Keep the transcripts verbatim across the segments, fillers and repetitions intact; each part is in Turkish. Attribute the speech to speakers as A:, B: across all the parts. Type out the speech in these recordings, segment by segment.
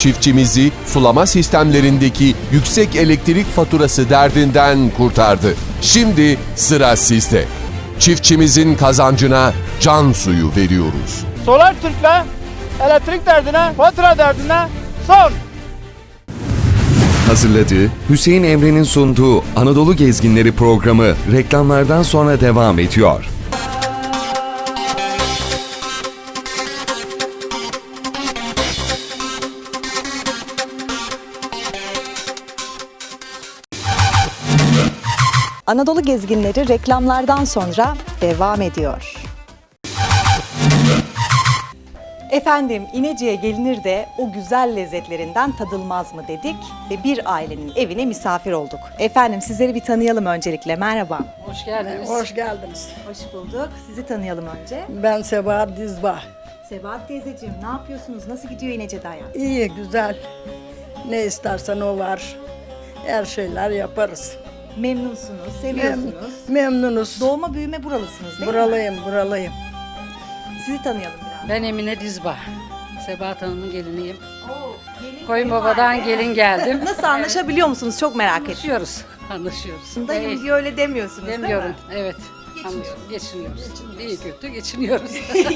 A: çiftçimizi sulama sistemlerindeki yüksek elektrik faturası derdinden kurtardı. Şimdi sıra sizde. Çiftçimizin kazancına can suyu veriyoruz.
B: Solar Türk'le elektrik derdine, fatura derdine son.
C: Hazırladığı, Hüseyin Emre'nin sunduğu Anadolu Gezginleri programı reklamlardan sonra devam ediyor.
D: Anadolu Gezginleri reklamlardan sonra devam ediyor. Efendim, İnece'ye gelinir de o güzel lezzetlerinden tadılmaz mı dedik ve bir ailenin evine misafir olduk. Efendim, sizleri bir tanıyalım öncelikle. Merhaba.
E: Hoş geldiniz.
F: Hoş geldiniz.
D: Hoş bulduk. Sizi tanıyalım önce.
F: Ben Sebahat Dizbağ.
D: Sebahat teyzeciğim, ne yapıyorsunuz? Nasıl gidiyor İnece'de hayat?
F: İyi, güzel. Ne istersen o var. Her şeyler yaparız.
D: Memnunsunuz,
F: Mem-
D: seviyorsunuz.
F: memnunuz.
D: Doğma büyüme buralısınız değil mi?
F: Buralıyım, buralıyım.
D: Sizi tanıyalım biraz.
E: Ben Emine Dizbağ. Sebahat Hanım'ın geliniyim.
D: Oo, gelin
E: Koyunbaba'dan
D: kayınvalide.
E: gelin geldim.
D: Nasıl anlaşabiliyor musunuz? Çok merak ettim.
E: Anlaşıyoruz. Anlaşıyoruz.
D: Dayım
E: Evet,
D: diye öyle demiyorsunuz
E: demiyorum.
D: değil mi?
E: Evet. Anlaşıyoruz. Geçiniyoruz. İyi kötü geçiniyoruz.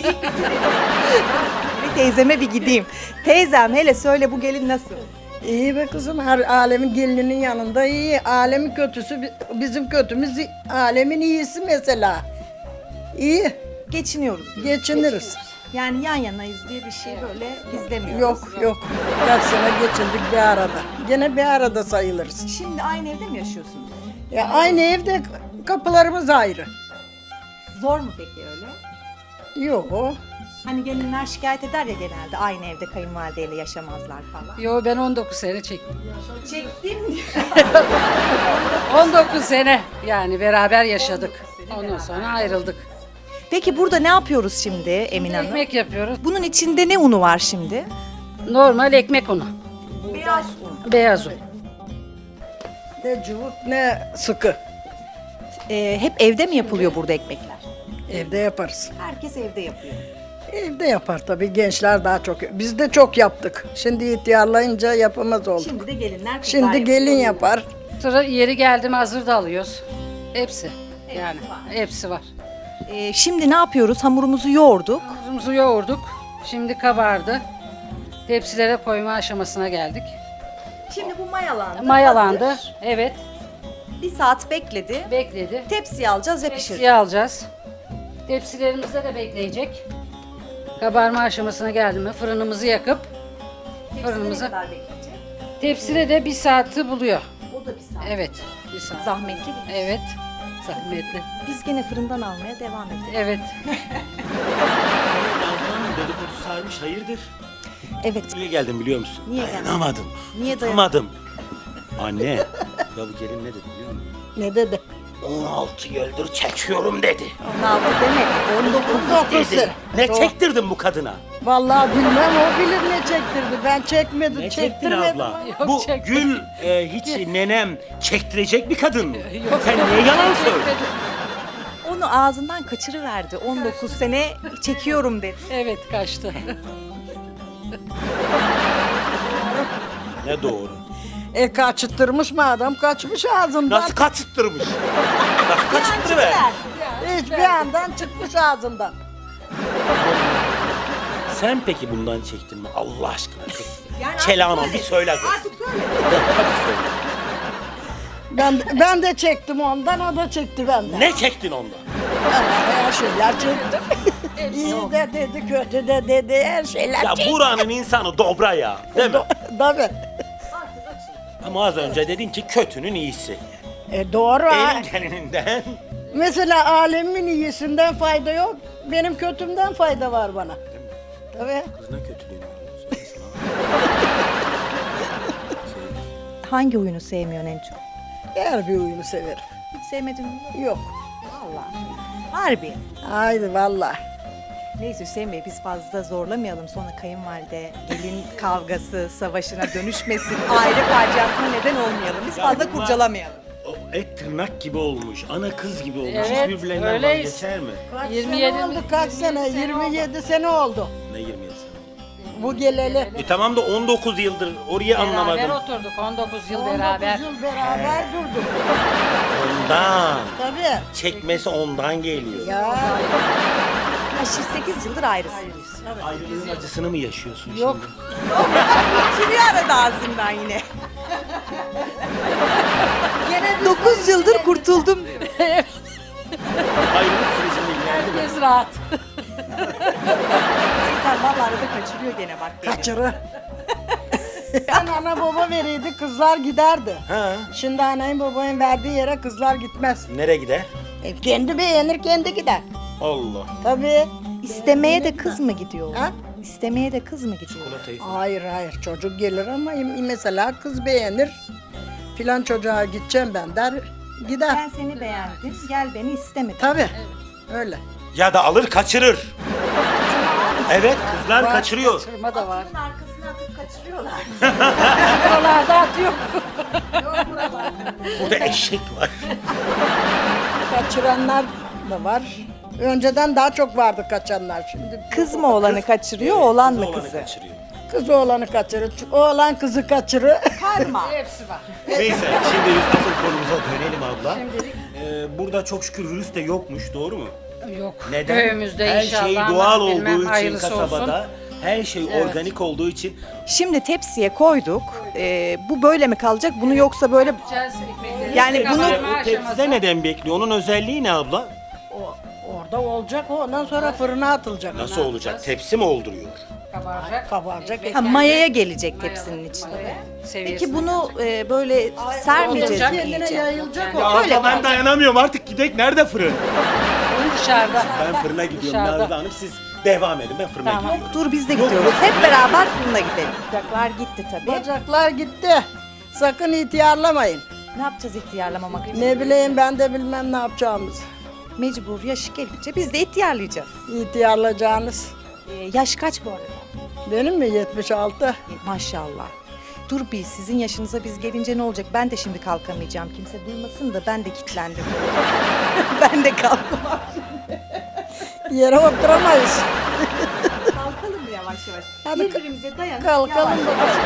D: Bir teyzeme bir gideyim. Teyzem hele söyle bu gelin nasıl?
F: İyi be kızım, her alemin gelininin yanında iyi. Alemin kötüsü bi- bizim kötümüz, alemin iyisi mesela. İyi,
D: Geçiniyoruz.
F: geçiniriz.
D: Yani yan yanayız diye bir şey böyle izlemiyoruz.
F: Yok, yok. Kaç sene geçindik bir arada. Gene bir arada sayılırız.
D: Şimdi aynı evde mi yaşıyorsunuz?
F: Ya aynı evde kapılarımız ayrı.
D: Zor mu peki öyle?
F: Yok.
D: Hani gelinler şikayet eder ya genelde aynı evde kayınvalideyle yaşamazlar falan.
E: Yo, ben on dokuz sene çektim.
D: Çektim.
E: on dokuz sene yani beraber yaşadık. Ondan sonra ayrıldık.
D: Peki burada ne yapıyoruz şimdi Emine Hanım?
E: Ekmek yapıyoruz.
D: Bunun içinde ne unu var şimdi?
E: Normal ekmek unu.
D: Beyaz un.
E: Beyaz un.
F: Ne cıvık ne sıkı.
D: Ee, hep evde mi yapılıyor burada ekmekler?
F: Evde yaparız.
D: Herkes evde yapıyor.
F: Evde yapar tabii, gençler daha çok. Biz de çok yaptık. Şimdi ihtiyarlayınca yapamaz olduk.
D: Şimdi de gelinler kızlar
F: Şimdi
D: yapıyor.
F: gelin yapar.
E: Sıra yeri geldi mi hazır da alıyoruz. Hepsi. Yani hepsi var.
D: Ee, şimdi ne yapıyoruz? Hamurumuzu yoğurduk.
E: Hamurumuzu yoğurduk. Şimdi kabardı. Tepsilere koyma aşamasına geldik.
D: Şimdi bu mayalandı.
E: Mayalandı.
D: hazır.
E: Evet.
D: Bir saat bekledi.
E: Bekledi.
D: Tepsiye alacağız ve pişireceğiz.
E: Tepsiye alacağız. Tepsilerimizde de bekleyecek. Kabarma aşamasına geldi mi fırınımızı yakıp
D: Ne
E: fırınımıza.
D: kadar bekleyecek?
E: Tepside de bir saati buluyor.
D: O da bir saat.
E: Evet. Bir saat.
D: Zahmetli bir.
E: Evet. Zahmetli.
D: Biz gene fırından almaya devam edelim.
E: Evet.
G: Ablam dedikodu sarmış, hayırdır?
D: Evet.
G: Niye geldim biliyor musun?
D: Niye geldin?
G: Dayanamadım.
D: Niye
G: Dayanamadım. Anne, ya bu gelin ne dedi biliyor musun?
F: Ne dedi?
G: on altı yıldır çekiyorum dedi.
D: on altı demedi. on dokuz.
G: Dedi. Ne çektirdin bu kadına?
F: Vallahi bilmem, o bilir ne çektirdi. Ben çekmedim,
G: Ne çektin
F: çektirmedim.
G: abla?
E: Yok,
G: bu
E: çekmedim.
G: Gül e, hiç nenem çektirecek bir kadın mı? Sen niye yalan söylüyorsun?
D: Onu ağzından kaçırıverdi. on dokuz sene çekiyorum dedi.
E: Evet, kaçtı.
G: Ne doğru?
F: E kaçırtırmış mı adam, kaçmış ağzından.
G: Nasıl kaçıttırmış? Nasıl kaçıttırıver?
F: Hiç bir yandan çıkmış ağzından.
G: Sen peki bundan çektin mi Allah aşkına kız?
D: Yani
G: Kelamam
D: artık
G: bir
D: söyle.
G: söyle kız.
D: Artık söyle.
G: Hadi söyle.
F: Ben ben de çektim ondan, o da çekti benden.
G: Ne çektin ondan?
F: Her şeyler çektim. İyi de dedi, kötü de dedi, her şeyler
G: Ya
F: çektim.
G: buranın insanı dobra ya, değil mi?
F: Tabii.
G: Ama az önce dedin ki kötünün iyisi.
F: E doğru ha.
G: Elin gelininden.
F: Mesela alemin iyisinden fayda yok, benim kötümden fayda var bana. Tabii.
G: Kız ne kötülüğünü biliyorsun?
D: Hangi oyunu sevmiyorsun en çok?
F: Her bir oyunu severim.
D: Hiç sevmedim mi?
F: Yok.
D: Vallahi. Harbi.
F: Haydi vallahi.
D: Neyse Hüseyin Bey, biz fazla zorlamayalım, sonra kayınvalide gelin kavgası savaşına dönüşmesin, aile faciasına neden olmayalım. Biz
G: Ya
D: fazla
G: bunlar-
D: kurcalamayalım.
G: O et tırnak gibi olmuş, ana kız gibi olmuş.
E: Evet,
G: Hiç birbirlerinden
E: öyleyiz.
G: vazgeçer mi?
F: Kaç
E: yirmi yedi
F: sene oldu, kaç sene?
E: yirmi yedi sene
F: yirmi yedi sene oldu.
G: Ne yirmi yedi sene?
F: bu geleli.
G: E tamam da on dokuz yıldır oraya
E: Beraber
G: anlamadım.
E: oturduk on dokuz yıl
F: on dokuz
E: beraber.
F: yıl beraber durduk.
G: Ondan.
F: Tabii.
G: Çekmesi ondan geliyor.
F: Ya
D: Aşırı sekiz yıldır ayrısınız.
G: Ayrılığın acısını mı yaşıyorsun
F: yok.
D: Kimi aradı ağzından yine? dokuz yıldır kurtuldum.
G: şimdi? Ayrılık sürecinde ilgilendim.
E: Herkes rahat.
D: Sen vallahi arada kaçırıyor gene bak.
F: Kaçırı. Ben ana baba veriydi, kızlar giderdi.
G: Ha,
F: Şimdi anayın babanın verdiği yere kızlar gitmez.
G: nereye gider?
F: E, kendi beğenir, kendi gider.
G: Allah.
F: Tabii.
D: İstemeye de kız mı gidiyor?
F: Ha?
D: İstemeye de kız mı gidiyor?
G: Çikolatayı.
F: Hayır hayır, çocuk gelir ama mesela kız beğenir. Filan çocuğa gideceğim ben der, gider.
D: Ben seni beğendim, gel beni istemedin.
F: Tabii. Öyle.
G: Ya da alır kaçırır. Evet, kızlar kaçırıyor.
E: Kırma da var.
D: Arkasına atıp kaçırıyorlar.
E: Buralarda atıyor.
G: Burada eşek var.
F: Kaçıranlar da var. Önceden daha çok vardı kaçanlar şimdi.
D: Kız mı oğlanı kaçırıyor, oğlan mı
G: Oğlanı
D: kızı?
G: kaçırıyor.
F: Kız oğlanı kaçırır, oğlan kızı kaçırır.
D: Karma.
E: Hepsi var.
G: Neyse, şimdi biz asıl konumuza dönelim abla. Ee, burada çok şükür virüs de yokmuş, doğru mu?
E: Yok.
G: Neden?
E: Köyümüzde
G: her
E: inşallah.
G: şey doğal
E: Allah bilmem,
G: olduğu için
E: hayırlısı
G: kasabada,
E: olsun.
G: her şey
E: Evet.
G: organik olduğu için
D: Şimdi tepsiye koyduk. Ee, bu böyle mi kalacak? Bunu yoksa böyle... Yani bunu-
G: o tepside neden bekliyor? Onun özelliği ne abla?
F: O, orada olacak, ondan sonra fırına atılacak.
G: Nasıl olacak? Tepsi mi olduruyor?
E: Kabaracak.
F: Kabaracak.
D: Ha, mayaya gelecek tepsinin içine. Peki bunu e, böyle sermeyeceğiz mi
F: Kendine
D: iyice?
F: yayılacak
G: Ya
F: o.
D: Öyle
G: abla ben
D: kalacak.
G: dayanamıyorum artık gidek. Nerede fırın?
E: Dışarıda.
G: Ben fırına gidiyorum
E: Dışarıda.
G: Nazlı Hanım. Siz devam edin, ben fırına
E: Tamam.
G: gidiyorum.
D: Dur biz de gidiyoruz. Hep beraber fırına gidelim. Bacaklar gitti tabii.
F: Bacaklar gitti. Sakın ihtiyarlamayın.
D: Ne yapacağız ihtiyarlamamak için?
F: Ne bileyim ben de bilmem ne yapacağımızı.
D: Mecbur yaş gelince biz de ihtiyarlayacağız.
F: İhtiyarlayacağınız.
D: Ee, yaş kaç bu arada?
F: Benim mi yetmiş altı?
D: E, maşallah. Dur bir sizin yaşınıza biz gelince ne olacak? Ben de şimdi kalkamayacağım. Kimse duymasın da ben de kilitlendim. ben de kalkamam.
F: Yere oturamayız.
D: Kalkalım yavaş yavaş.
F: Hadi
D: Birbirimize dayanıp
F: Kalkalım
D: yavaş.
F: bakalım.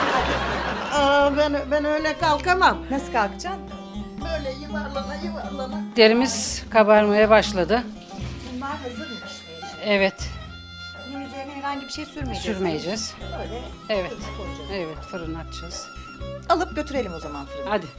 F: Aa, ben, ben öyle kalkamam.
D: Nasıl kalkacaksın?
F: Böyle yuvarlana yuvarlana.
E: Derimiz kabarmaya başladı.
D: Bunlar hazırmış.
E: Evet.
D: Bunun üzerine herhangi bir şey sürmeyeceğiz.
E: Sürmeyeceğiz.
D: Böyle
E: Evet.
D: koyacağız.
E: Evet, fırın açacağız.
D: Alıp götürelim o zaman fırına.
E: Hadi.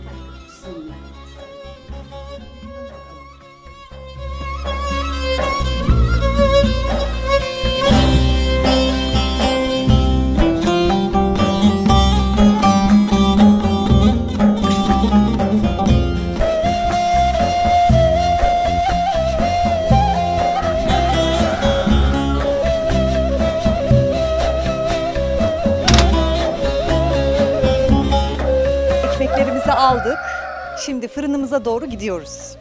D: Ekmeklerimizi aldık. Şimdi fırınımıza doğru gidiyoruz.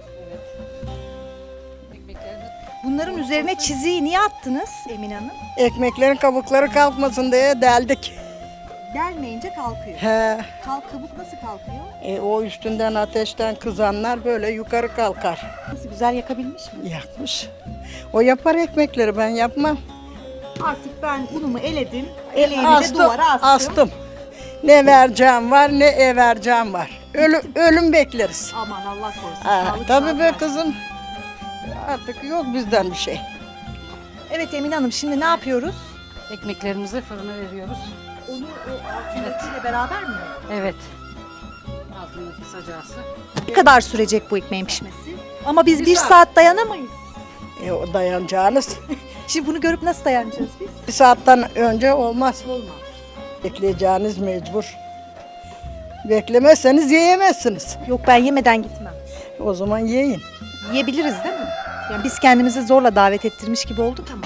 E: Ekmeklerimiz
D: Bunların üzerine çiziyi niye attınız Emine Hanım?
F: Ekmeklerin kabukları kalkmasın diye deldik.
D: Gelmeyince kalkıyor.
F: He.
D: Kalk kabuk nasıl kalkıyor?
F: E, o üstünden ateşten kızanlar böyle yukarı kalkar.
D: Nasıl güzel yakabilmiş mi?
F: Yakmış. O yapar ekmekleri, ben yapmam.
D: Artık ben unumu eledim.
F: E,
D: Eleğimi de duvara astım.
F: astım. Ne vereceğim var, ne ev vereceğim var. Ölü, ölüm bekleriz.
D: Aman Allah korusun.
F: Ha,
D: sağlık,
F: tabii
D: sağlık
F: be
D: versin.
F: kızım. Artık yok bizden bir şey.
D: Evet Emine Hanım şimdi ne yapıyoruz?
E: ekmeklerimizi fırına veriyoruz.
D: Onu o altındakiyle beraber mi?
E: Evet. Altındaki sacası.
D: Ne kadar sürecek bu ekmeğin pişmesi? Ama biz bir saat dayanamayız.
F: E, o dayanacağınız.
D: Şimdi bunu görüp nasıl dayanacağız biz?
F: Bir saatten önce olmaz. Olmaz. Bekleyeceğiniz mecbur. Beklemezseniz yiyemezsiniz.
D: Yok ben yemeden gitmem.
F: O zaman yiyin.
D: Yiyebiliriz değil mi? Yani biz kendimizi zorla davet ettirmiş gibi olduk ama.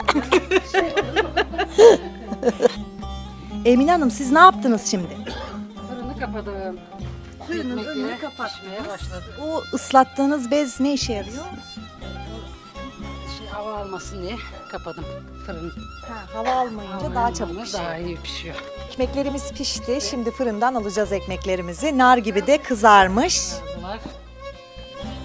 D: Emine Hanım siz ne yaptınız şimdi?
E: Fırını kapadım.
D: Fırının
E: Ekmekleri
D: önünü kapattınız.
E: pişmeye başladı.
D: O ıslattığınız bez ne işe yarıyor?
E: Şey, hava almasın diye kapadım fırını.
D: Ha, hava almayınca daha çabuk
E: Almayınca
D: pişiyor.
E: Daha iyi pişiyor.
D: Ekmeklerimiz pişti. Şimdi fırından alacağız ekmeklerimizi. Nar gibi de kızarmış.
E: Bunlar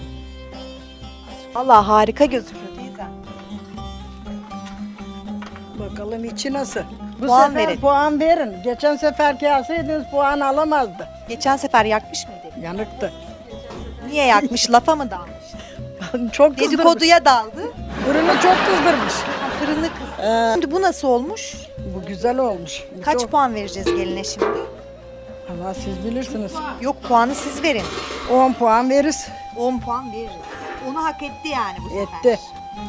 D: Vallahi harika gözüküyor teyzem.
F: Bakalım içi nasıl? Bu
D: Puan
F: sefer
D: verin.
F: puan verin. Geçen seferki alsaydınız puan alamazdı.
D: Geçen sefer yakmış mıydı?
F: Yanıktı.
D: Niye yakmış? Lafa mı dalmış?
F: Çok kızdırmış.
D: Dedikoduya daldı.
F: Fırını çok kızdırmış.
D: Fırını kız.
F: Ee,
D: Şimdi bu nasıl olmuş?
F: bu güzel olmuş. Bu
D: Kaç
F: çok-
D: puan vereceğiz geline şimdi?
F: Allah siz bilirsiniz.
D: Yok, puanı siz verin.
F: on puan veririz.
D: on puan veririz. Onu hak etti yani bu sefer.
F: Etti.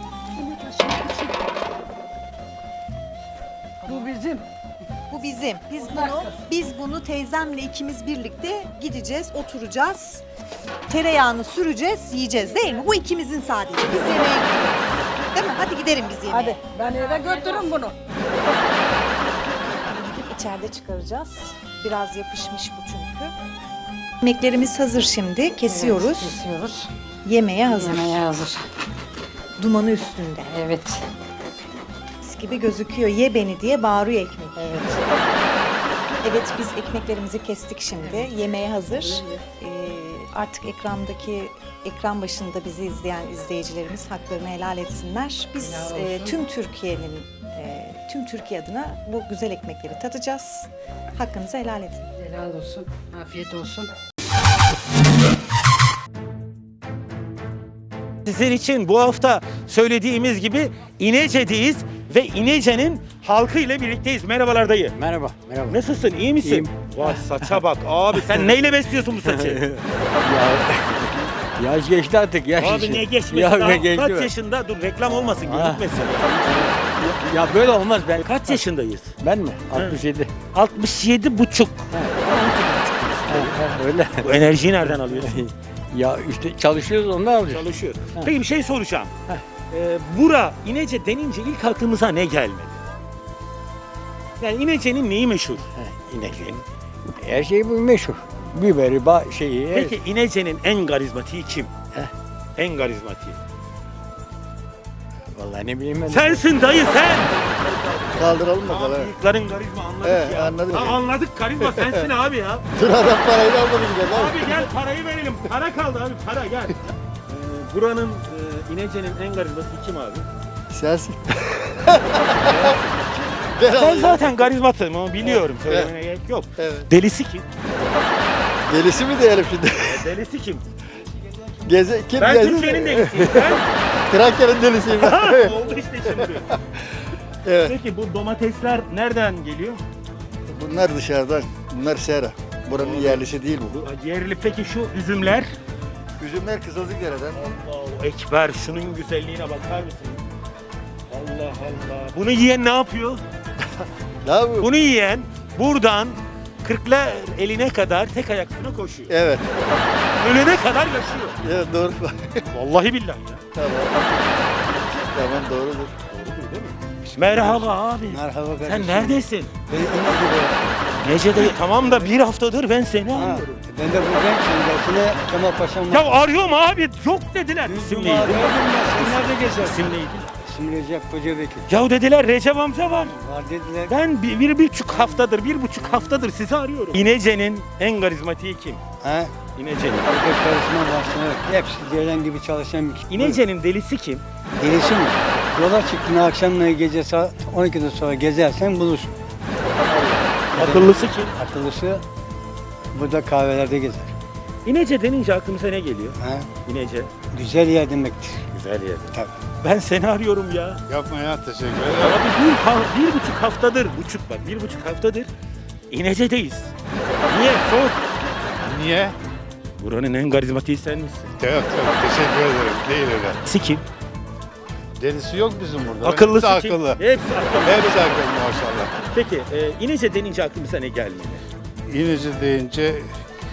F: Bu bizim.
D: Bu bizim. Biz bunu biz bunu teyzemle ikimiz birlikte gideceğiz, oturacağız. Tereyağını süreceğiz, yiyeceğiz değil mi? Bu ikimizin sadece. Biz yemeğe gidiyoruz. Değil mi? Hadi gidelim biz yemeğe.
F: Hadi ben eve götürün bunu.
D: Gidip içeride çıkaracağız. Biraz yapışmış bu çünkü. Yemeklerimiz hazır şimdi. Kesiyoruz.
E: Kesiyoruz.
D: Yemeğe hazır.
E: Yemeğe hazır.
D: Dumanı üstünde.
E: Evet.
D: Mis gibi gözüküyor. Ye beni diye bağırıyor ekmek.
E: Evet.
D: Evet, biz ekmeklerimizi kestik şimdi. Yemeğe hazır. Ee, artık ekrandaki ekran başında bizi izleyen izleyicilerimiz haklarını helal etsinler. Biz e, tüm Türkiye'nin e, tüm Türkiye adına bu güzel ekmekleri tadacağız. Hakkınızı helal edin.
E: Helal olsun. Afiyet olsun.
G: Sizin için bu hafta söylediğimiz gibi İnece'deyiz ve İnece'nin halkı ile birlikteyiz. Merhabalar dayı.
H: Merhaba, merhaba.
G: Nasılsın? İyi misin?
H: İyiyim.
G: Vay saça bak abi, sen neyle besliyorsun bu saçı?
H: Ya, yaş geçti artık, yaş
G: Abi
H: işi.
G: ne geçmesi
H: Ya,
G: daha?
H: ne geçti
G: Kaç
H: be?
G: yaşında? Dur reklam olmasın,
H: Ha.
G: gözükmesin.
H: Ya böyle olmaz ben.
G: Kaç yaşındayız?
H: Ben mi? altmış yedi.
G: altmış yedi buçuk.
H: Ha, öyle.
G: Bu enerjiyi nereden alıyorsun?
H: Ya işte çalışıyoruz, ondan alıyoruz.
G: Çalışıyor. Peki bir şey soracağım. Ee, bura İnece denince ilk aklımıza ne gelmedi? Yani İnece'nin neyi meşhur?
H: Ha, İnekliğin. Her şey bu meşhur. Biberi, ba şeyi. her-
G: Peki İnece'nin en karizmatiği kim?
H: Heh.
G: En karizmatiği.
H: Vallahi ne bileyim ben.
G: Sensin dayı sen.
I: Kaldıralım
G: Abi
I: bakalım.
G: bıyıkların karizma anladık
I: Evet,
G: ya.
I: anladık.
G: Ha, anladık karizma sensin abi ya.
I: Sıradan parayı da almadım gel.
G: Abi gel parayı verelim. Para kaldı abi para gel. Ee, buranın e, İnece'nin en karizmatiği kim abi?
I: Sensin.
G: Ben zaten karizmatım ama biliyorum. Söylemene gerek yok.
I: Evet.
G: Delisi kim?
I: Delisi mi diyelim şimdi?
G: E, delisi kim?
I: Geze, kim
G: Ben
I: gezi-
G: Türkiye'nin delisiyim. Sen?
I: Trakya'nın delisiyim
G: Ha,
I: ben.
G: oldu işte şimdi.
I: Evet.
G: Peki bu domatesler nereden geliyor?
I: Bunlar dışarıdan. Bunlar sera. Buranın yerlisi değil bu.
G: Bu yerli. Peki şu üzümler?
I: Üzümler Kızılcıkdere'den.
G: Allahu Ekber, şunun güzelliğine bakar mısın? Allah Allah. Bunu yiyen ne yapıyor?
I: Ne yapıyor?
G: Bunu yiyen buradan kırklar eline kadar tek ayaklarına koşuyor.
I: Evet.
G: Ölene kadar yaşıyor.
I: Evet doğru.
G: Vallahi billahi ya.
I: Tamam. Tamam doğrudur.
G: Doğrudur değil mi? Merhaba abi.
H: Merhaba kardeşim.
G: Sen neredesin?
H: Ben İnekli'de.
G: Nece'de? Tamam da bir haftadır ben seni
H: Ha,
G: arıyorum.
H: ben de buradayım şimdi. Yine Kemal Paşa'm var.
G: Ya arıyorum abi. Yok dediler. İsim
H: Yüzüm
G: neydi?
H: abi, gördün mü? Sen nerede gezersin?
G: İsim neydi?
H: İsim Recep Kocabekir.
G: Ya dediler Recep amca var.
H: Var dediler.
G: Ben bir, bir buçuk haftadır, bir buçuk haftadır sizi arıyorum. İnece'nin en karizmatiği kim?
H: Ha?
G: İnece'nin.
H: Erkek karışma başlanır. Hepsi gelen gibi çalışan bir kişi.
G: İnece'nin delisi kim?
H: Delisi mi? Yola çıktın akşamla gece saat on ikiden sonra gezersen bulursun.
G: Akıllısı kim?
H: Akıllısı burada kahvelerde gezer.
G: İnece denince aklımıza ne geliyor?
H: Ha?
G: İnece.
H: Güzel yer demektir.
G: Güzel yer.
H: Tabii.
G: Ben seni arıyorum ya.
I: Yapma ya teşekkür
G: Abi bir, ha- bir buçuk haftadır, buçuk bak, bir buçuk haftadır İnece'deyiz. Niye? Sor.
I: Niye?
G: Buranın en karizmatiği sen misin?
I: Yok yok teşekkür ederim. Değil öyle.
G: Sikim.
I: Delisi yok bizim burada.
G: Akıllısı
I: Hepsi
G: kim?
I: akıllı.
G: Hepsi akıllı.
I: Hepsi akıllı maşallah.
G: Peki e, İnece denince aklımıza ne gelmeli?
J: İnece deyince e,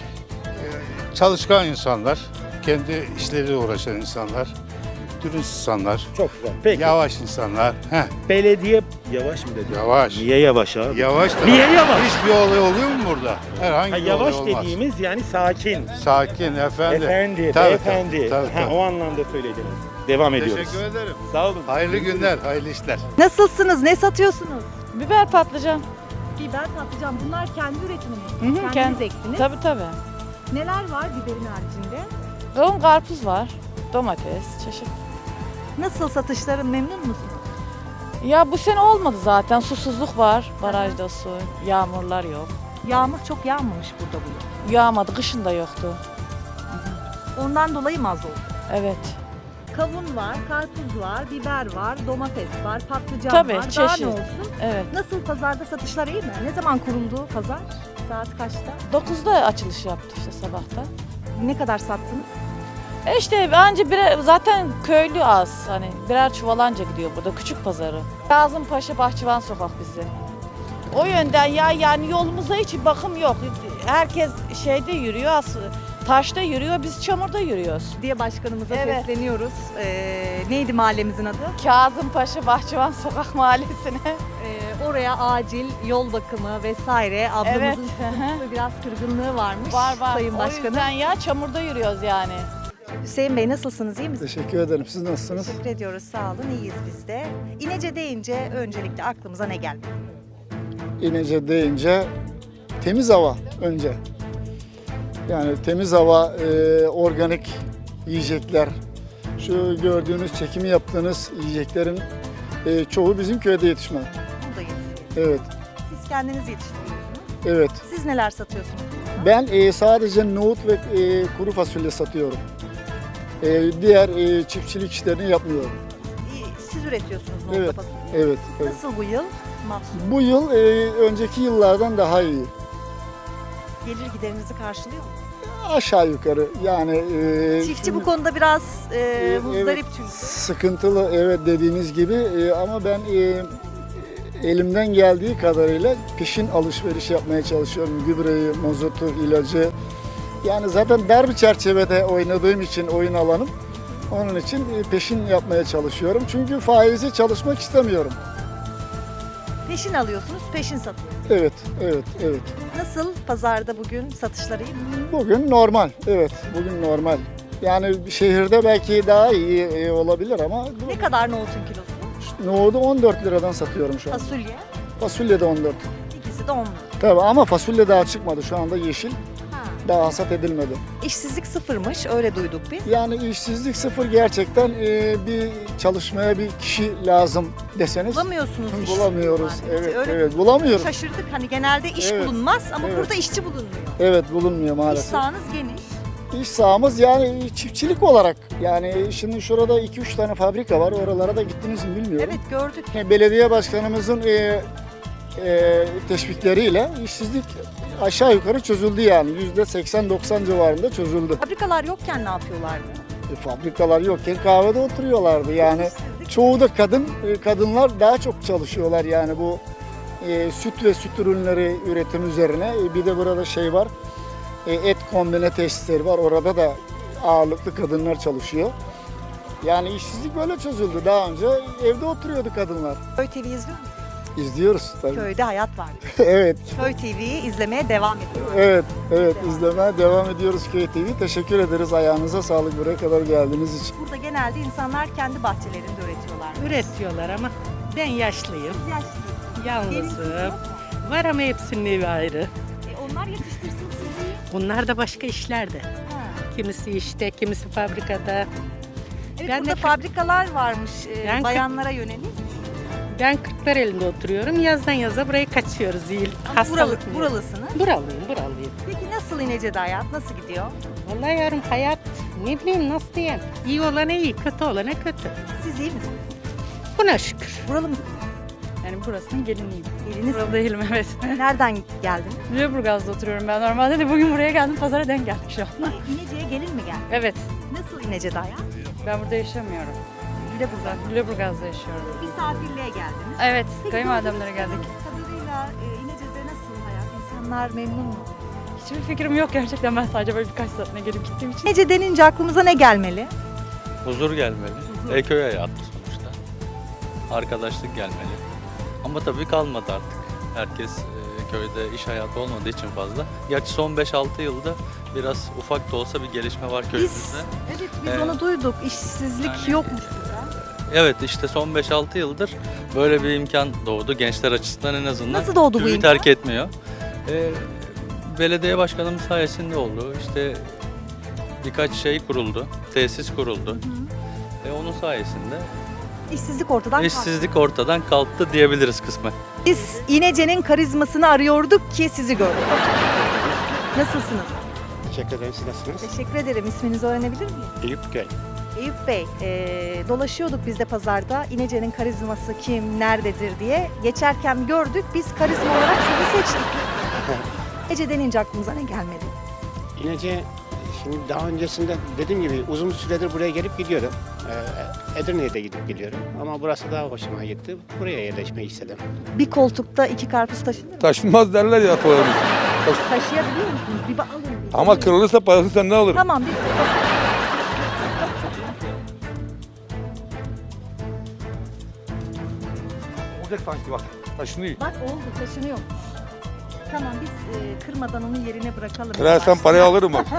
J: çalışkan insanlar, kendi işleriyle uğraşan insanlar, dürüst insanlar,
G: Çok güzel. Peki.
J: yavaş insanlar. Heh,
G: Belediye yavaş mı dedi?
J: yavaş.
G: Niye yavaş abi?
J: Yavaş da.
G: Niye yavaş?
J: Hiçbir olay oluyor mu burada? Herhangi
G: Ha,
J: bir
G: yavaş
J: olay olmaz.
G: dediğimiz yani sakin.
J: Sakin, efendi.
G: Efendi,
J: Tabii,
G: beyefendi.
J: tabii,
G: Ha,
J: tabii.
G: o anlamda söylediniz. Devam ediyoruz.
J: Teşekkür ederim.
G: Sağ olun.
J: Hayırlı günler, hayırlı işler.
D: Nasılsınız? Ne satıyorsunuz?
K: Biber patlıcan.
D: Biber, patlıcan. Bunlar kendi üretiminiz.
K: Hı hı,
D: Kendiniz
K: kendi-
D: ektiniz.
K: Tabii tabii.
D: Neler var biberin haricinde?
K: Don karpuz var. Domates, çeşit.
D: Nasıl, satışların memnun musunuz?
K: Ya bu sene olmadı zaten. Susuzluk var. Barajda su, yağmurlar yok.
D: Yağmur çok yağmamış burada bu yıl.
K: Yağmadı, kışın da yoktu.
D: Ondan dolayı mı az oldu?
K: Evet.
D: Kavun var, karpuz var, biber var, domates var, patlıcan
K: Tabii,
D: var. Daha
K: çeşit.
D: ne olsun?
K: Evet.
D: Nasıl pazarda satışlar iyi mi? Ne zaman kuruldu pazar? Saat kaçta?
K: dokuzda açılış yaptı işte sabahta.
D: Ne kadar sattınız?
K: E işte bence birer, zaten köylü az. Hani birer çuvalanca gidiyor burada küçük pazarı. Kazımpaşa Bahçıvan Sokak bizi. O yönden ya yani yolumuza hiç bakım yok. Herkes şeyde yürüyor aslında. Taşta yürüyor, biz çamurda yürüyoruz.
D: Diye başkanımıza
K: Evet.
D: sesleniyoruz. Ee, neydi mahallemizin adı?
K: Kazımpaşa Bahçıvan Sokak Mahallesi'ne.
D: Ee, oraya acil yol bakımı vesaire. Ablamızın
K: Evet.
D: sıkıntısı, biraz kırgınlığı varmış.
K: Var var.
D: Sayın
K: O
D: Başkanım.
K: yüzden ya çamurda yürüyoruz yani.
D: Hüseyin Bey nasılsınız, iyi misiniz?
I: Teşekkür ederim. Siz nasılsınız?
D: Teşekkür ediyoruz, sağ olun, iyiyiz biz de. İnece deyince öncelikle aklımıza ne geldi?
I: İnece deyince temiz hava önce. Yani temiz hava, e, organik yiyecekler. Şu gördüğünüz, çekimi yaptığınız yiyeceklerin e, çoğu bizim köyde yetişme.
D: Burada yetişiyor.
I: Evet,
D: Siz kendiniz yetiştiriyorsunuz.
I: evet.
D: Siz neler satıyorsunuz?
I: Ben e, sadece nohut ve e, kuru fasulye satıyorum. E, diğer e, çiftçilik işlerini yapmıyorum.
D: İyi, Siz üretiyorsunuz nohutla
I: Evet,
D: fasulye.
I: evet, evet.
D: Nasıl bu yıl? Mahsul.
I: Bu yıl e, önceki yıllardan daha iyi.
D: Gelir giderinizi karşılıyor mu?
I: Aşağı yukarı yani. e,
D: Çiftçi bu konuda biraz e,
I: Evet,
D: muzdarip çünkü.
I: sıkıntılı, evet, dediğiniz gibi e, ama ben e, elimden geldiği kadarıyla peşin alışveriş yapmaya çalışıyorum. Gübreyi, mazotu, ilacı. Yani zaten dar bir çerçevede oynadığım için oyun alanım. Onun için e, peşin yapmaya çalışıyorum. Çünkü faizi çalışmak istemiyorum.
D: Peşin alıyorsunuz, peşin satıyorsunuz.
I: Evet, evet, evet.
D: Nasıl pazarda bugün satışları iyi mi?
I: Bugün normal, evet, bugün normal. Yani şehirde belki daha iyi e, olabilir ama
D: Ne kadar nohutun kilosu?
I: nohudu on dört liradan satıyorum şu an.
D: Fasulye,
I: Fasulye de on dört.
D: ikisi de on lira.
I: Tabii ama fasulye daha çıkmadı. Şu anda yeşil.
D: Ha.
I: Daha hasat edilmedi.
D: İşsizlik sıfırmış, öyle duyduk biz.
I: Yani işsizlik sıfır gerçekten e, bir çalışmaya bir kişi lazım deseniz.
D: Bulamıyorsunuz iş.
I: Bulamıyoruz.
D: Yani.
I: Evet,
D: Öyle
I: evet, bulamıyoruz.
D: Şaşırdık, hani genelde iş
I: Evet,
D: bulunmaz ama
I: evet.
D: burada işçi bulunmuyor.
I: Evet, bulunmuyor
D: İş
I: maalesef.
D: sahanız geniş.
I: İş sahamız yani çiftçilik olarak. Yani şimdi şurada iki üç tane fabrika var. Oralara da gittiniz mi bilmiyorum.
D: Evet, gördük.
I: Belediye başkanımızın e, e, teşvikleriyle işsizlik aşağı yukarı çözüldü yani. yüzde seksen doksan civarında çözüldü.
D: Fabrikalar yokken ne yapıyorlardı?
I: E, fabrikalar yokken kahvede oturuyorlardı yani.
D: İşsizlik.
I: Çoğu da kadın, e, kadınlar daha çok çalışıyorlar yani bu e, süt ve süt ürünleri üretim üzerine. E, bir de burada şey var, e, et kombine tesisleri var. Orada da ağırlıklı kadınlar çalışıyor. Yani işsizlik böyle çözüldü. Daha önce evde oturuyordu kadınlar.
D: Köy T V izliyor musunuz?
I: İzliyoruz tabii.
D: Köyde hayat var.
I: Evet,
D: Köy T V'yi izlemeye devam ediyoruz.
I: evet, evet. izlemeye devam ediyoruz Köy T V. Teşekkür ederiz. Ayağınıza sağlık buraya kadar geldiğiniz için.
D: Burada genelde insanlar kendi bahçelerinde üretiyorlar.
L: Üretiyorlar ama ben yaşlıyım,
D: Siz yaşlısınız.
L: yalnızım. Var ama hepsinin evi ayrı.
D: E, onlar yetiştirsin sizi.
L: Bunlar da başka işlerde.
D: Ha.
L: Kimisi işte, kimisi fabrikada.
D: Evet,
L: Ben de
D: burada
L: kırk-
D: fabrikalar varmış e,
L: Ben kırk-
D: bayanlara yönelik.
L: Ben Kırklareli'nde oturuyorum. Yazdan yaza buraya kaçıyoruz. İyi,
D: Ama buralı,
L: hastalık mı?
D: buralısınız.
L: Buralıyım, buralıyım.
D: Peki nasıl İnece'de hayat? Nasıl gidiyor?
L: Vallahi yarım hayat ne bileyim nasıl diyeyim. İyi olana iyi, kötü olana kötü.
D: Siz iyi misiniz?
L: Buna şükür.
D: Buralı mı?
K: Yani burasının geliniyim.
D: Geliniz.
K: Buralı değilim evet.
D: Nereden geldiniz?
K: Lüleburgaz'da oturuyorum ben normalde de bugün buraya geldim pazara denk geldik şu an.
D: İnece'ye gelin mi geldi?
K: Evet.
D: Nasıl İnece'de hayat?
K: Ben burada yaşamıyorum.
D: Lüleburgaz.
K: Lüleburgaz'da yaşıyorum.
D: Misafirliğe geldiniz.
K: Evet,
D: Peki,
K: kayınvalidemlere
D: gördüğünüz
K: geldik.
D: kadarıyla e, İnece'de nasıl hayat? İnsanlar memnun mu?
K: Hiçbir fikrim yok gerçekten, ben sadece böyle birkaç saatine gelip gittiğim için.
D: İnece denince aklımıza ne gelmeli?
M: Huzur gelmeli. E, köy hayatı sonuçta. Arkadaşlık gelmeli. Ama tabii kalmadı artık. Herkes e, köyde iş hayatı olmadığı için fazla. Gerçi son beş altı yılda biraz ufak da olsa bir gelişme var
D: Biz,
M: köyümüzde.
D: evet biz
M: Ee,
D: onu duyduk. İşsizlik
M: yani-
D: yokmuş burada.
M: Evet işte son beş altı yıldır böyle bir imkan doğdu. Gençler açısından en azından
D: Nasıl doğdu bu
M: köyü
D: imkan?
M: terk etmiyor. E, belediye başkanımız sayesinde oldu. İşte birkaç şey kuruldu. Tesis kuruldu. E, onun sayesinde
D: İşsizlik ortadan kalktı.
M: İşsizlik ortadan kalktı diyebiliriz kısmen.
D: Biz İnece'nin karizmasını arıyorduk ki sizi gördük. Nasılsınız?
B: Teşekkür ederim. Siz nasılsınız?
D: Teşekkür ederim. İsminizi öğrenebilir miyim?
B: Eyüp Göy.
D: Eyüp Bey, e, dolaşıyorduk biz de pazarda. İnece'nin karizması kim, nerededir diye. Geçerken gördük, biz karizma olarak sizi seçtik. Ece denince aklımıza ne gelmedi?
B: İnece, şimdi daha öncesinde dediğim gibi uzun süredir buraya gelip gidiyorum. Ee, Edirne'ye de gidip geliyorum. Ama burası daha hoşuma gitti. Buraya yerleşmeyi istedim.
D: Bir koltukta iki karpuz taşınır mı?
N: Taşınmaz derler ya tuvalet.
D: Taşıyabiliyor musunuz? Bir alın. Bir
N: Ama kırılırsa parası sen ne alırım?
D: Tamam, bir
N: Olacak sanki bak. Taşınıyor.
D: bak oldu, taşınıyor. Tamam, biz e, kırmadan onu yerine bırakalım.
N: Kırarsan parayı alırım bak.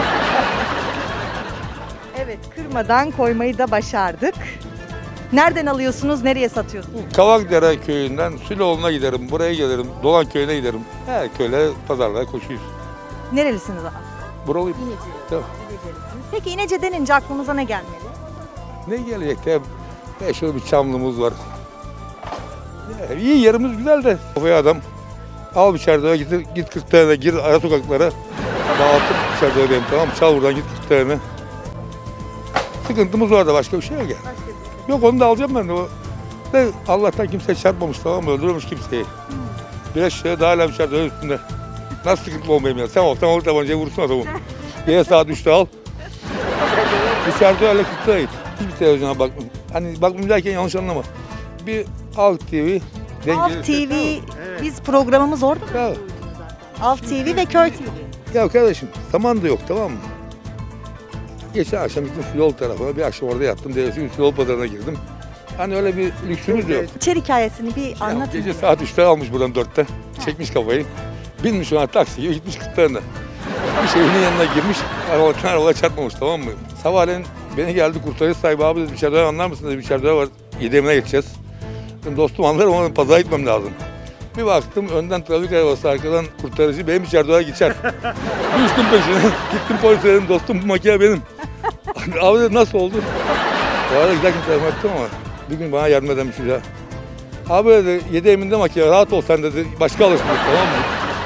D: Evet, kırmadan koymayı da başardık. Nereden alıyorsunuz, nereye satıyorsunuz?
N: Kavakdere köyünden Süloğlu'na giderim. Buraya gelirim. Dolan köyüne giderim. Her köyle pazarlara koşuyoruz.
D: Nerelisiniz abi?
N: Buralıyım.
D: İnece.
N: Tamam.
D: İnecelisiniz. Peki İnece denince aklınıza ne gelmeli?
N: Ne gelecek de meşhur bir çamlımız var. Ya, iyi yerimiz güzel de. Kafaya adam al bir çerdeğe git, git kırk tane gir ara sokaklara. Dağıtıp çerdeğe benim tamam çal buradan git kırk tane. Sıkıntımız var da başka bir şey yok yani. Yok onu da alacağım ben de. O. De Allah'tan kimse çarpmamış tamam mı? Öldürmemiş kimseyi. Bir eşeğe daha hala bir çerdeğe üstünde. Nasıl sıkıntı olmayayım ya? Sen olsan olur tabancayı vursun adamı. Yine saat üçte al. Dışarıda öyle kırkta git. Hiçbir televizyona bakmam. Hani bakmam derken yanlış anlama. Bir Alt T V.
D: Alt T V, biz programımız orada mı?
N: Ya,
D: Alt T V ve Köy T V.
N: ya kardeşim zaman da yok tamam mı? Geçen akşam gittim yol tarafına. Bir akşam orada yattım. Devleti yol pazarına girdim. Hani öyle bir lüksümüz de yok.
D: İçer hikayesini bir
N: Ya,
D: anlatın.
N: gece saat üçte almış buradan dörtte. Çekmiş kafayı. Binmiş ona taksi gibi gitmiş kırklarına. Bir evinin yanına girmiş. Arabadan arabaya çarpmamış tamam mı? Sabahleyin beni geldi kurtarıcı sahibi abi dedi içeride anlar mısın dedi içeride var. Yedemine geçeceğiz. Dedim, dostum anlarım ama pazara gitmem lazım. Bir baktım önden trafik arabası arkadan kurtarıcı benim içeride geçer. Düştüm peşine. Gittim polise dedim dostum bu makine benim. Abi dedi nasıl oldu? Bu arada güzel kimse yardım ettim ama bir gün bana yardım eden bir şey daha. Abi dedi yedi eminde makine rahat ol sen dedi başka alırsın dedi tamam mı?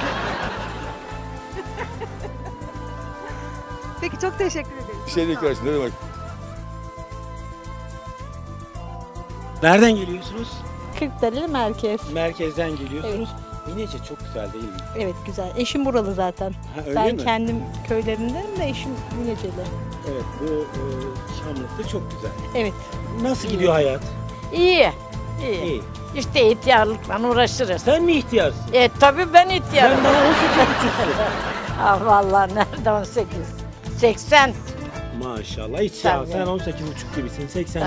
D: Peki çok teşekkür ederim.
N: Bir şey değil kardeşim ne demek?
G: Nereden geliyorsunuz?
O: Kırklareli merkez.
G: Merkezden geliyorsunuz. İnece çok güzel değil mi?
O: Evet güzel. Eşim buralı zaten.
G: Ha, öyle
O: ben
G: mi?
O: kendim köylerindenim de eşim İneceli.
G: Evet bu e, Şamlık'ta çok güzel.
O: Evet.
G: Nasıl gidiyor hayat?
E: İyi. İyi.
G: İyi.
E: İşte ihtiyarlıkla uğraşırız.
G: Sen mi ihtiyarsın?
E: E tabii ben ihtiyarım.
G: Sen daha on sekiz buçuksun.
E: Ah vallahi nerede on sekiz? seksen.
G: Maşallah hiç ya.
E: Tabii.
G: Sen on sekiz buçuk gibisin. seksen.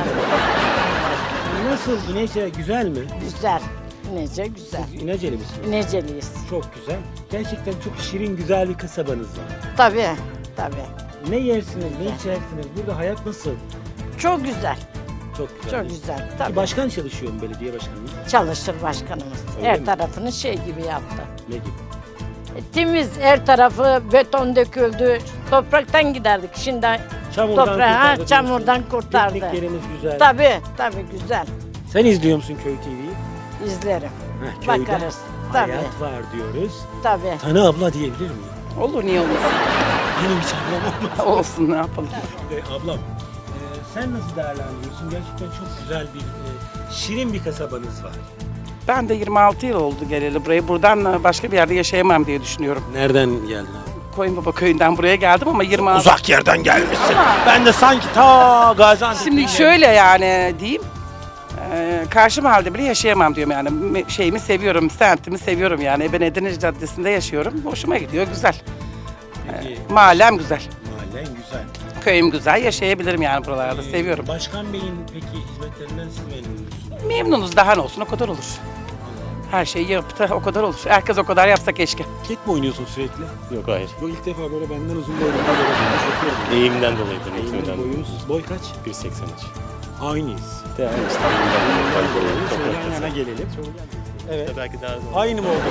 G: Nasıl? İnece güzel mi?
E: Güzel. İnece güzel.
G: Siz İneceli misiniz?
E: İneceliyiz.
G: Çok güzel. Gerçekten çok şirin güzel bir kasabanız var.
E: Tabii. Tabii.
G: Ne yersiniz, ne içersiniz? Burada hayat nasıl?
E: Çok güzel.
G: Çok güzel.
E: Çok güzel.
G: Ki
E: Tabii.
G: başkan çalışıyor mu belediye başkanı?
E: Çalışır başkanımız.
G: Öyle
E: her
G: mi?
E: tarafını şey gibi yaptı.
G: Ne gibi?
E: E, temiz her tarafı beton döküldü. Topraktan giderdik. Şimdi
G: Çamurdan
E: toprağı ha,
G: kurtardı
E: çamurdan
G: diyorsun.
E: kurtardı.
G: Pikniklerimiz güzel.
E: Tabii, tabii güzel.
G: Sen izliyor musun Köy T V'yi?
E: İzlerim.
G: Heh, köyde
E: Bakarız. Tabii.
G: hayat var diyoruz.
E: Tabii.
G: Tanı abla diyebilir miyim?
L: Olur niye olmasın?
G: Benim hiç ablam olmaz.
L: Olsun ne yapalım.
G: E, ablam, e, sen nasıl değerlendiriyorsun? Gerçekten çok güzel bir, e, şirin bir kasabanız var.
L: Ben de yirmi altı yıl oldu geleli buraya. Buradan başka bir yerde yaşayamam diye düşünüyorum.
G: Nereden geldin abi?
L: Koyunbaba köyünden buraya geldim ama yirmi altı...
G: Uzak yerden gelmişsin. Ben de sanki ta Gaziantep'ten
L: Şimdi şöyle yani diyeyim. E, karşı mahallede bile yaşayamam diyorum yani. Me- Şeyimi seviyorum, semtimi seviyorum yani. Ben Edirne Caddesi'nde yaşıyorum. Hoşuma gidiyor, güzel.
G: Peki,
L: E, mahallem güzel.
G: mahallen güzel.
L: Köyüm güzel, yaşayabilirim yani buralarda.
G: Ee,
L: Seviyorum.
G: Başkan Bey'in peki hizmetlerinden siz memnun musunuz?
L: Memnunuz, daha ne olsun o kadar olur. Her şeyi yaptı, o kadar olur. Herkes o kadar yapsa keşke.
G: Tek mi oynuyorsun sürekli?
P: Yok hayır.
G: Bu ilk defa böyle benden uzun boylu bir böyle
P: Eğimden dolayıdır.
G: Eğimden boyunuz. Boy kaç?
P: bir seksen üç.
G: Aynıyız.
P: Devam işte. Eğimden dolayı.
G: Şöyle yan yana gelelim. Evet.
P: İşte belki daha zor.
G: Aynı mı oldu?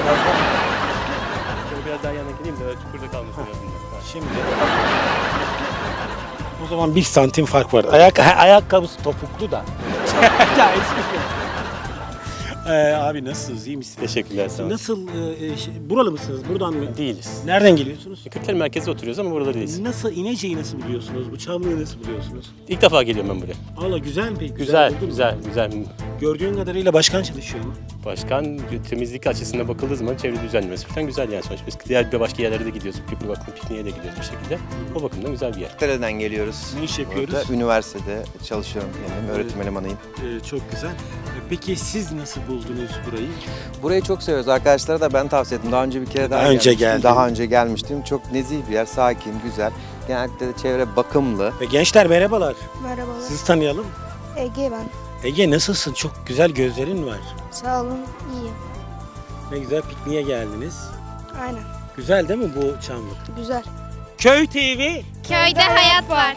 P: Şöyle biraz daha yana geleyim de çukurda kalmasın yazında.
G: Şimdi o zaman bir santim fark var. Ayak ayakkabısı topuklu da
P: ya espri. Ee, abi nasılsınız? İyi misiniz?
Q: Teşekkürler, sağ olun.
P: Nasıl, e, e, şey, buralı mısınız? Buradan mı?
Q: Değiliz.
P: Nereden geliyorsunuz?
Q: Kırklareli merkezde oturuyoruz ama burada değiliz.
P: Nasıl, İnece'yi nasıl biliyorsunuz? Bu Çamlı'yı nasıl biliyorsunuz?
Q: İlk defa geliyorum ben buraya.
P: Allah güzel mi peki?
Q: Güzel,
P: buldun mu?
Q: güzel, güzel.
P: Gördüğün kadarıyla başkan çalışıyor mu?
Q: Başkan temizlik açısından bakıldığı zaman çevre düzenlemesi falan güzel yani sonuçta. Biz diğer bir başka yerlere de gidiyoruz. Bir bakım pikniğe de gidiyoruz bir şekilde. O bakımdan güzel bir yer.
R: Kırklareli'den geliyoruz.
P: Ne iş yapıyoruz?
R: Burada üniversitede çalışıyorum kendim. Öğretim elemanıyım.
P: Ee, çok güzel. Ee, Peki siz nasıl buldunuz burayı?
R: Burayı çok seviyoruz. Arkadaşlara da ben tavsiye ettim. Daha önce bir kere daha,
P: Daha önce
R: gelmiştim.
P: geldin.
R: Daha önce gelmiştim. Çok nezih bir yer, sakin, güzel. Genellikle de çevre bakımlı.
P: Ve gençler merhabalar.
S: Merhabalar.
P: Sizi tanıyalım.
S: Ege ben.
P: Ege nasılsın? Çok güzel gözlerin var.
S: Sağ olun, iyiyim.
P: Ne güzel pikniğe geldiniz.
S: Aynen.
P: Güzel değil mi bu Çamlık?
S: Güzel.
P: Köy T V.
S: Köyde hayat var.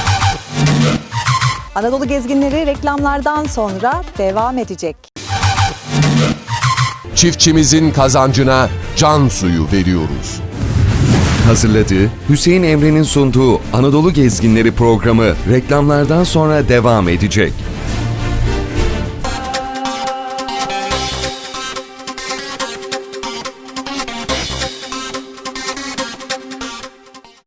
D: Anadolu gezginleri reklamlardan sonra devam edecek.
A: Çiftçimizin kazancına can suyu veriyoruz.
C: Hazırladığı, Hüseyin Emre'nin sunduğu Anadolu Gezginleri programı reklamlardan sonra devam edecek.